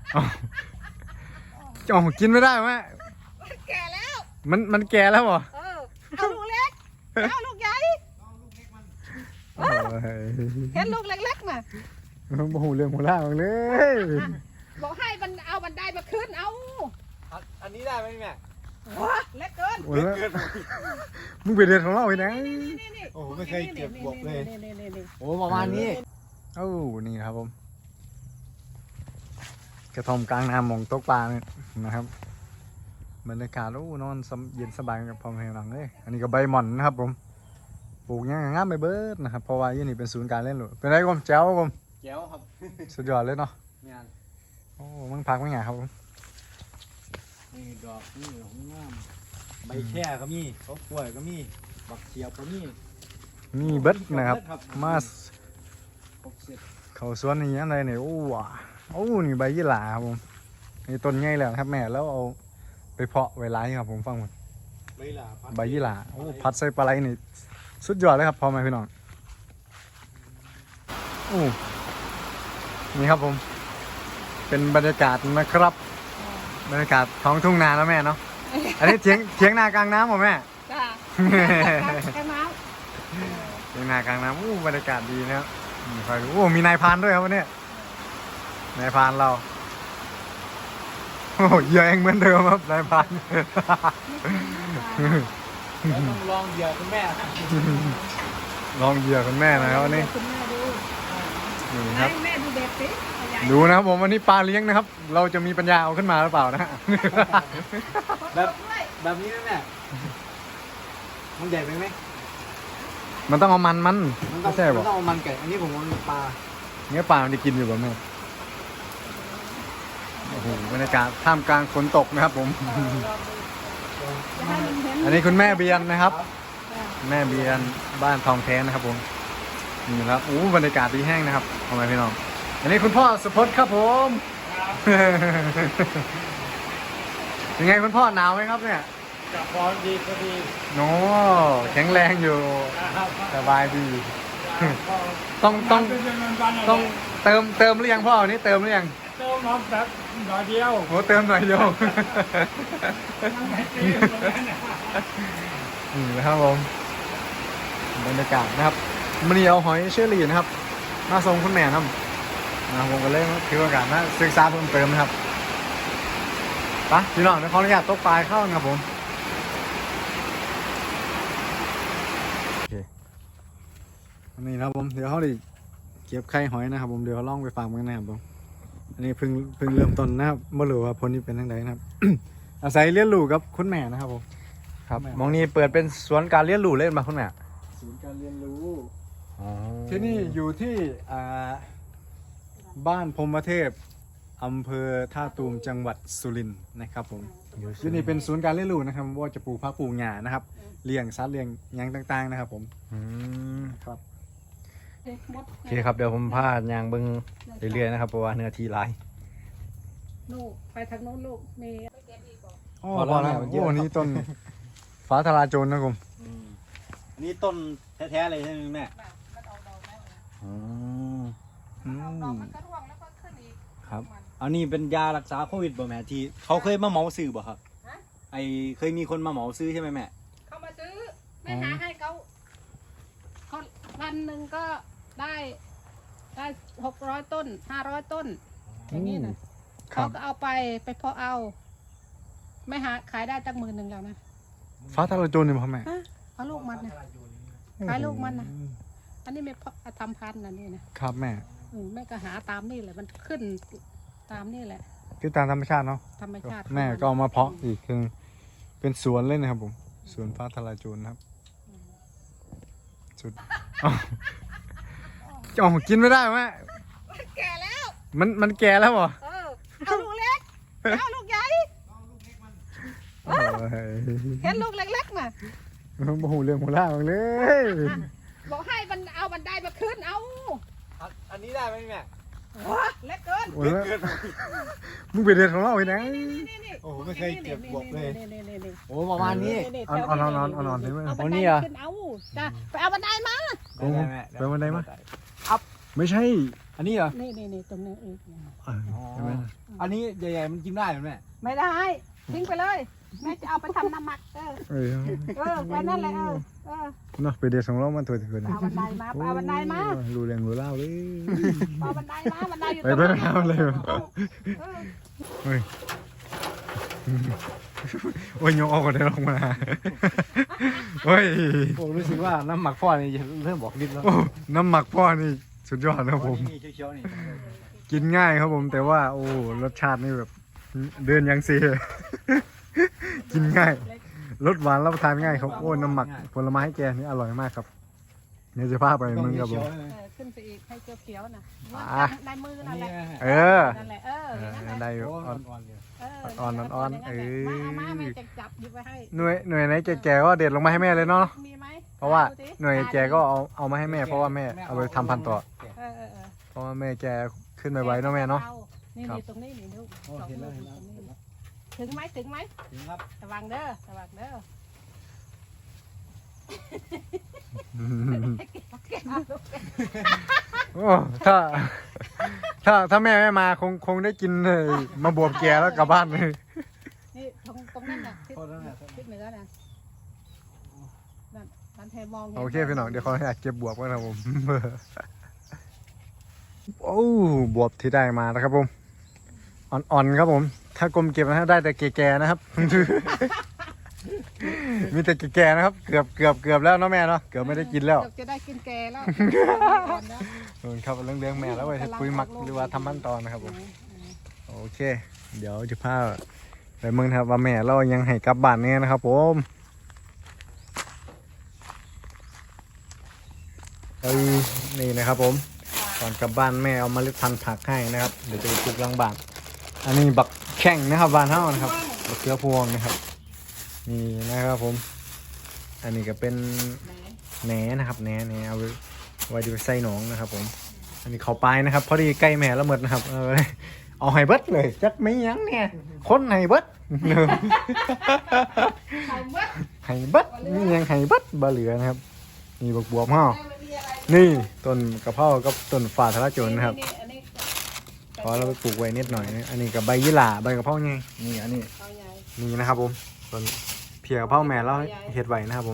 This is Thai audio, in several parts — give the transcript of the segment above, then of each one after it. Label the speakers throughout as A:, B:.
A: จ่อกินไม่ได้แม่
B: แก่แล้ว
A: มันแก่แล้วเหรอ
B: เอาลูกเล็กเอาลูกใหญ่เห็นลูกเล็กๆมา
A: โอ้โหเรื่องหัวล่างเลย
B: บอกให้มันเอาบันไดมาขึ้นเอา
C: อันนี้ได้ไหมแม่
B: เล็กเกิน
A: มึงไปเรียนของเราไปไหน
C: โอ้ไม่เคยเก็บบวกเลยโอ้ประมาณนี้
A: นี่ครับผมกระท่อมกลางน้ำมองตกปลาเนี่ยนะครับบรรยากาศนอนเย็นสบายกับพอมเพลงหลังเลยอันนี้ก็ใบหม่อนนะครับผมปลูกง่ายๆใบเบิร์ดนะครับเพราะว่ายี่นี่เป็นศูนย์การเล่นหลุดเป็นไรกมแจ๋วกม
C: แจ๋วครับ
A: สุดยอดเลยเนาะมึงพักไม่ไงครับผม
C: นี่ดอกนี่ของงามใบแค่ก็มีเขากล้วยก็มีบักเขียวก็มี
A: เบิร์ดนะครับมาเขาสวนนี่อะไรเนี่ยนี่ใบยี่หร่าครับผมนี่ต้นใหญ่แล้วครับแม่แล้วเอาไปเพาะไว้ไล่ครับผมฟังหมดใบยี่หร่าพัดใส่ปลาไหลนี่สุดยอดเลยครับพอไหมพี่น้องนี่ครับผมเป็นบรรยากาศนะครับบรรยากาศท้องทุ่งนาแล้วแม่เนาะอันนี้เถียงนากลางน้ำเหรอแม่
B: จ้ากลางน้
A: ำเถียงนากลางน้ำบรรยากาศดีนะครับมีนายพานด้วยครับวันนี้นายพานเราเหยื่อเองเหมือนเดิมครับนายพาน
C: ต้องลองเหยื่อคุณแม่
A: ลองเหยื่อคุณแม่นะครับวันนี้นี่ครับ
B: แม่ดูเด็กสิ
A: ดูนะครับผมวันนี้ปลาเลี้ยงนะครับเราจะมีปัญญาเอาขึ้นมาหรือเปล่านะ
C: แบบนี้นะแม่มันใหญ่ไปไหม
A: มันต้องเอามัน
C: ไม่ใช่หรอมันต้องเอามันไก่อันนี้ผมว่าปลา
A: เนื้อปลามันจะกินอยู่แบบนี้โอ้โหบรรยากาศท่ามกลางฝนตกนะครับผมอันนี้คุณแม่เบียนนะครับแม่เบียนบ้านทองแท้นะครับผมนี่ครับบรรยากาศดีแห้งนะครับทำไมพี่น้องอันนี้คุณพ่อสุพจน์ครับผมยังไงคุณพ่อหนาวไหมครับเนี่ย
C: กับพร้อมดีก็ดี
A: แข็งแรงอยู่สบายดีต้องเติมหรือยังพ่อวันนี้เติมหรือยัง
C: เติมน้ำแบบหน่อยเดียว
A: เติมหน่อยเดียวนี่นะครับผมบรรยากาศนะครับมันนี่เอาหอยเชอรี่นะครับมาส่งคุณแม่ครับผมก็เลยถือโอกาสนะศึกษาเพิ่มเติมนะครับไปพี่น้องขออนุญาตตกปลายเข้านะครับผมนี่นะครับผมเดี๋ยวเขาดิเก็บไข่หอยนะครับผมเดี๋ยวเขาล่องไปฟาร์มกันนะครับผมอันนี้เพิ่งเริ่มต้นนะครับไม่รู้ว่าผลนี้เป็นยังไงนะครับ อาศัยเลี้ยงลูกกับคุณแม่นะครับผมครับมองนี้เปิดเป็นสวนการเลี้ยงลูกเล่นมาคุณแม่
C: ศูนย์การเรียนรู้
A: ที่นี่อยู่ที่บ้านพรหมเทพอำเภอท่าตูมจังหวัดสุรินทร์นะครับผมที่นี่เป็นศูนย์การเลี้ยงลูกนะครับว่าจะปลูกผักปลูกหญ้านะครับเลี้ยงสัตว์เลี้ยงหยังต่างๆนะครับผมครับโอเคครับเดี๋ยวผมพายางเบิ้งเรื่อยๆนะครับเพราะว่าเนื้อที่หลาย
B: ลูกไปทางโน้นลูกมี
A: พอแล้วนี่ต้นฟ้าทลายโจรนะผม
C: อันนี้ต้นแท้ๆเลยใช่ไหมแม่
B: มันก็ร่วงแล้วก็ขึ้นอีก
C: ครับอันนี้เป็นยารักษาโควิดบ่แม่ที่เขาเคยมาเหมาซื้อบ่ครับเคยมีคนมาเหมาซื้อใช่ไหมแม่
B: เขามาซื้อไม่หาให้เขาวันหนึ่งก็ได้600 ต้น500 ต้นอย่างนี้นะเขาก็เอาไปเพาะเอาไม่หาขายได้ตั้ง10,000แล้วนะ
A: ฟ้าทลายโจรเนี่ยพ่อแม่
B: เอาลูกมันนะขายลูกมันนะอันนี้ไม่ทำพันธุ์นะนี่นะครับ
A: แม่
B: แม่ก็หาตามนี่แหละมันขึ้นตามนี่แหละ
A: คือตามธรรมชาติเนาะ
B: ธรรมชาติ
A: แม่ก็เอามาเพาะอีกคือเป็นสวนเลยนะครับผมสวนฟ้าทลายโจรนะครับสุดกินไม่ได้แม่
B: แก่แล้ว
A: มันแก่แล้วเหรอ
B: เอาลูกเล็กเอาลูกใหญ่เห็นลูกเล็กๆมา
A: โอ้โหเรื่องหัวล่างเลย
B: บอกให้มันเอาบันไดมาขึ้นเอา
C: อันนี้ได้ไหมแม่
B: เล็กเกิน
A: มึงไปเรียนของเราไปไหน
C: โอ้ไม่เคยเก็บบวกเลย
A: โอ้ประมาณนี้อ่อนได้ไหม
B: เอานี่อ่ะเอาจ้ะไปเอาบันไดมา
A: ไปบันไดมาไม่ใช่
C: อันนี้เหรอ
B: นี่ตรงนี้เอง
A: ใช่ไหม
C: อันนี้ใหญ่ๆมันกินได้ไหมแม่
B: ไม่ได้ทิ้งไปเลยแม่จะเอาไปทำน้ำหมักไปนั่นเลย
A: เนาะไปเดี๋ยวส่งเรามาตัวเถื่อน
B: เอาบันไดมาเอาบันไดมา
A: รู้เรื่องรู้เล่าเลย
B: เอาบันไดมาบันไดอยู่
A: ไป
B: ตรง
A: ไป
B: นั้น
A: เอาเลยเฮ้ยโอ้ยยกออกกันได้ลงมาเฮ้ย
C: ผมรู้สึกว่าน้ำหมักพ่อนี่เริ่มบอกนิดแล้ว
A: โอ้น้ำหมักพ่อนี่สุดยอดนะครับผม
C: นี่เขียวๆนี่
A: กินง่ายครับผมแต่ว่าโอ้รสชาตินี่แบบเดินยังเสียกินง่ายรสหวานรับประทานง่ายครับโอ้น้ำหมักผลไม้แกนี่อร่อยมากครับเนี่ยจะพาไปมึงครับผม
B: ขึ้นไปอีกให้เขียวๆน่ะในมือ
C: อั
B: นั่
C: น
B: นแห
C: นี้
B: ละ
A: เออ
B: นั่นแหละ
A: ได้อยู่
C: อ่อน
B: มาแม่จะจับหยิบไว้ให้
A: หน่วยไหนแก่ๆก็เด็ดลงมาให้แม่เลยเนาะ
B: มีไหม
A: เพราะว่าหน่วยแก่ก็เอามาให้แม่เพราะว่าแม่เอาไปทำพันธุ์ต่อเพราะว่าแม่แกขึ้นไปไว้เนาะแม่เนาะ
B: นี่ตรงนี้นี่ลูก
C: เห็นแล้ว
B: ถึงไหม
C: ถึงครับ
B: ระวังเด้อ
A: โอ้ถ้าแม่ไม่มาคงได้กินเลยมาบวบแกแล้วกลับบ้านเลย
B: นี่ตรงนั้นน่ะทิศเหนือน่ะนั่นเทมอง
A: โอเคพี่น้องเดี๋ยวเขาอยากเก็บบวบกันครับผมโอ้บวบที่ได้มานะครับผมอ่อนๆครับผม ถ้ากลมเก็บนะได้แต่แก่ๆนะครับ มีแต่แก่ๆนะครับเกือบแล้วเนาะแม่เนาะเกือบไม่ได้กินแล้ว
B: จะได้กินแกแล้ว
A: ครับเรื่องแม่แล้วไว้ให้ปุ๋ยหมักหรือว่าทำขั้นตอนนะครับผมโอเค เดี๋ยวจะพาไปเมืองครับว่าแม่เรายังให้กลับบ้านเนี่ยนะครับผมนี่นะครับผมก่อนกลับบ้านแม่เอาเมล็ดพันธุ์ผักให้นะครับเดี๋ยวจะไปปลูกหลังบ้านอันนี้บักแข้งนะครับบ้านเฮานะครับบักเขือพวงนะครับนี่นะครับผมอันนี้ก็เป็นแหนนะครับแหนเอาไว้จะไปใส่หนองนะครับผมอันนี้เขาปลายนะครับพอดีใกล้แม่ละเมิดนะครับเอาไฮเบิร์ดเลยจักไม่ยั้งเนี่ยคนไฮเบิร์ดไฮเบิร์ดนี่ยังไฮเบิร์ดบะเหลือนะครับนี่บักบวบเฮานี่ต้นกระเพรากับต้นฝ่าทะละโจรนะครับพอเราไปปลูกไว้นิดหน่อยนะอันนี้กับใบยี่หร่าใบกระเพราไงนี่อันนี้นี่นะครับผมต้นเพียกระเพราแม่เราเห็ดไว้นะครับผม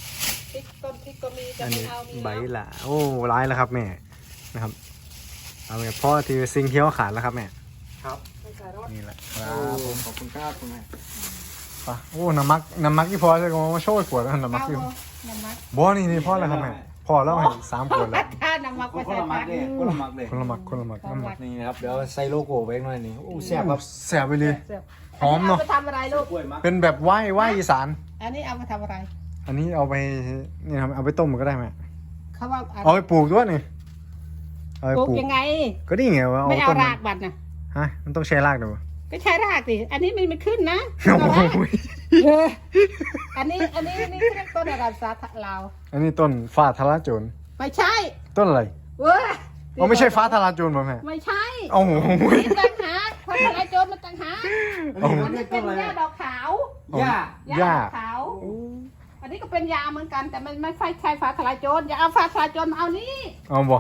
A: อันนี้ใบยี่หร่าโอ้ร้ายแล้วครับแม่นะครับเอาไปพ่อที่ซิงเที่ยวขาดแล้วครับแม่ครับนี่แหละครับผม
C: ขอบคุณครับคุณแม่
A: ปะโอ้น้ำมักที่พอจะมาโชว์ขวดแล้วน้ำมักที่บ่นี่พ่อแล้วครับแม่พ่อแล้วให้3 ขวดแล้ว
B: น้ำมักไป
C: คน
B: ใส่
C: ละมั
B: ปาก ก
C: เลยคนละมักเลย
A: คนละหมักน้ำหมัก
C: นี่นะครับเดี๋ยวใส่โลโก้ไว้หน่อยนี่โอ้แซ่บครับ
A: แสบไปเลยหอมเนาะ
B: ไปทำอะไรลูก
C: กล้วยมัก
A: เป็นแบบไหว้อีสาน
B: อันนี้เอามาทำอะไร
A: อันนี้เอาไปนี่ครับเอาไปต้มก็ได้ไหม
B: เขาว่า
A: เอาไปปลูกด้วยนี่เอาไป
B: ปลูก
A: ปลูก
B: ยังไง
A: ก็นี่ไงว่าเอา
B: ไม่เอา
A: ต้น
B: รากบัดนะ
A: ฮะมันต้องใช้รากดู
B: ก็ใช้รากสิอันนี้มันไม่ขึ้นนะ
A: โอ้โห
B: อันนี้เรียกต้นอะไรภาษาลาว
A: อันนี้ต้นฟ้าทะลาโจร
B: ไม่ใช่
A: ต้นอะไร
B: เว้ย
A: อ๋อไม่ใช่ฟ้าทะลาโจรป่ะแม่
B: ไม่ใช่
A: โอ้โห
B: นี่ต่างหากเพราะอะไรโจรมันต่างหาก
A: โอ้โห
B: อันนี้เป็นหญ้าดอกขาว
C: ย่า
B: หญ้าดอกขาว อันนี้ก็เป็นยาเหมือนกันแต่มันไม่ใช่ฟ้าทลายโจรอย่าเอาฟ้าทลายโจรมาเอานี่
A: เอาบ่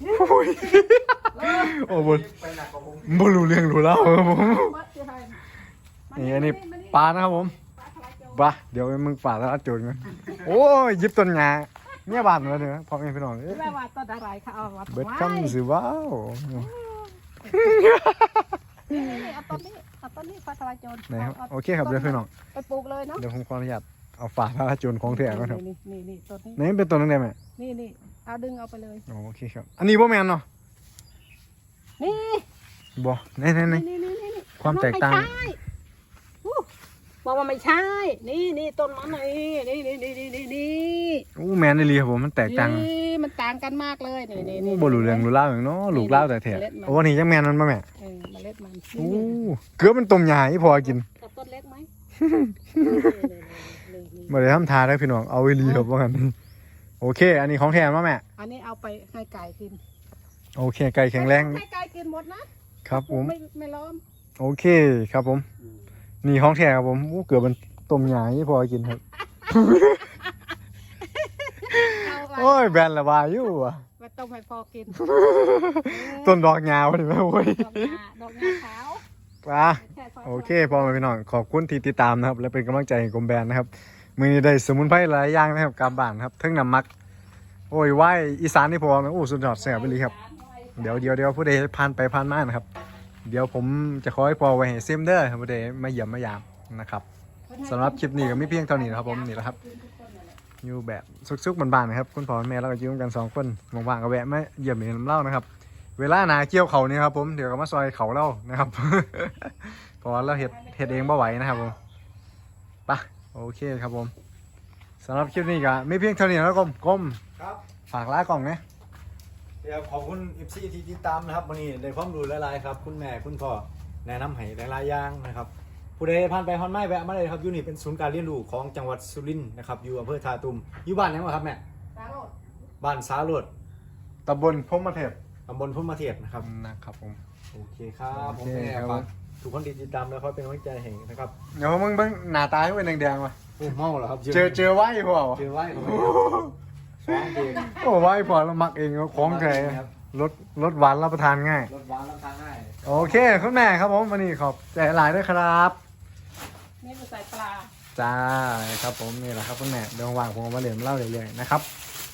A: โอ้บ่บ่รู้เรื่องรู้แล้วครับผมนี่อันนี้ปลานะครับผมปลาเดี๋ยวมึงปลาทะลาโจรกันโอ้ยยิบต้นหญ้าเนี่ยบานมาเด้อพ่อแม่พี่น้องเอ้ย
B: แม่ว่าต้นอะไรเขาเอามา
A: เบิดคำสิว้าว
B: นี่เอาต้นนี้ฟ้าทลายโจร
A: ไหนครับโอเคครับเดี๋ยวพี่น้อง
B: ไปปลูกเลยเนาะ
A: เดี๋ยวผมขออนุญาตเอาฝาทะลาโจรของแท้ก่อนครับ
B: นี่ต้นนี้
A: ไหนเป็นต้นนั่นได้ไหม
B: นี่เอาดึงเอาไปเลย
A: โอเคครับอันนี้บ่แม่นเนาะ
B: นี่
A: บ่ไหน
B: นี่
A: ความแตกต่าง
B: บอกว่าไม่ใช่นี่ต้นมันนี่
A: อู้แม่นอีหลีครับผมมันแตกต่าง
B: มันต่างกันมากเลยนี่
A: บ่รู้เรื่องรู้เล่าวอย่างเนาะลูกเล่าวแต่แท้โอ้นี่จังแม่นมันบ่แม่
B: เมล็ดมัน
A: โอ้เกือบเป็นต้มยาอีพอกิน
B: กับต้นเล็กไหม
A: บ่ได้ทำทาได้พี่น้องเอาอีหลีครับว่ากันโอเค อันนี้ของแท้มาแม่
B: อันนี้เอาไปให้ไก่กิน
A: โอเคไก่แข็งแรง
B: ให้ไก่กินหมดนะครับ
A: ผม
B: ไม่ล้อม
A: โอเคครับผม นี่ของแท้ครับผมโอ้เกือบเป็นต้มยาอีพอกินครับโอ้ยแบนละวาอยู่อ่ะ
B: ไปต้มให้พอกิน
A: ต้นดอกยาวดิแม่โอ้ย
B: ดอกงาขาว
A: โอเคพ่อแม่พี่น้องขอบคุณที่ติดตามนะครับและเป็นกำลังใจให้กรมแบนนะครับมือนี้ได้สมุนไพรหลายอย่างนะครับกลับบ้านครับทั้งน้ำมักโอ้ยไหวอีสานนี่พอไหมโอ้สุดยอดแซ่บไปเลยครับเดี๋ยวผู้ใดผ่านไปผ่านมานะครับเดี๋ยวผมจะขอให้พอไว้ให้เซมเดอร์ผู้ใดมาเยี่ยมมายามนะครับสำหรับคลิปนี้ก็ไม่เพียงเท่านี้นะครับผมนี่แหละครับอยู่แบบซุกๆบ้านๆนะครับคุณพ่อคุณแม่แล้วก็อยู่กัน2คนว่างๆก็แวะมาเยี่ยมเห็นน้ำเล่านะครับเวลาหนาเกี่ยวเขานี่ครับผมเดี๋ยวก็มาซอยเขาเล่านะครับ เพราะว่าเราเฮ็ดเองบ่ไหวนะครับผมไปโอเคครับผมสำหรับคลิปนี้ก็ไม่เพียงเท่านี้แล้วก้ม
C: ครับ
A: ฝากร้านกล่องนะ
C: เดี๋ยวขอบคุณ FC ที่ติดตามนะครับวันนี้ได้ความรู้หลายๆครับคุณแม่คุณพ่อแนะนำให้หลายๆอย่างนะครับผู้ใดผ่านไปผ่านมาแวะมาเลยครับอยู่นี่เป็นศูนย์การเรียนรู้ของจังหวัดสุรินทร์นะครับอยู่อำเภอท่าตูมอยู่บ้านไหนวะครับแม่
B: สาโรด
C: บ้านสาโรด
A: ตำบลพรหมเทพ
C: ตำบลพุ่มมะเทียบนะครับ
A: นะครับผม
C: โอเคครับผม
A: โอเค
C: แม่
A: ครับ
C: ฝากทุกคนที่ติดตามแล้วคอยเป็นกำลังใจให้นะครับ
A: เดี๋ยวมึงเบิ่งหน้าตาให้เป็นแดงๆว่ะ
C: โอ้เมาเหรอครับ
A: เจอไว้พอวะ
C: เจอไว้ฟ้องเอง
A: โอ้ไว้พอเรามักเองของแท้รสหวานรับประทานง่าย
C: รถหวานรับทานง่าย
A: โอเคคุณแม่ครับผมวันนี้ขอบใจหลายด้วยครับ
B: นี่เป็นใส่ปลา
A: จ้าครับผมนี่แหละครับคุณแม่เดี๋ยวว่างผมเอามาเรียนเล่าเรื่อยๆนะครับ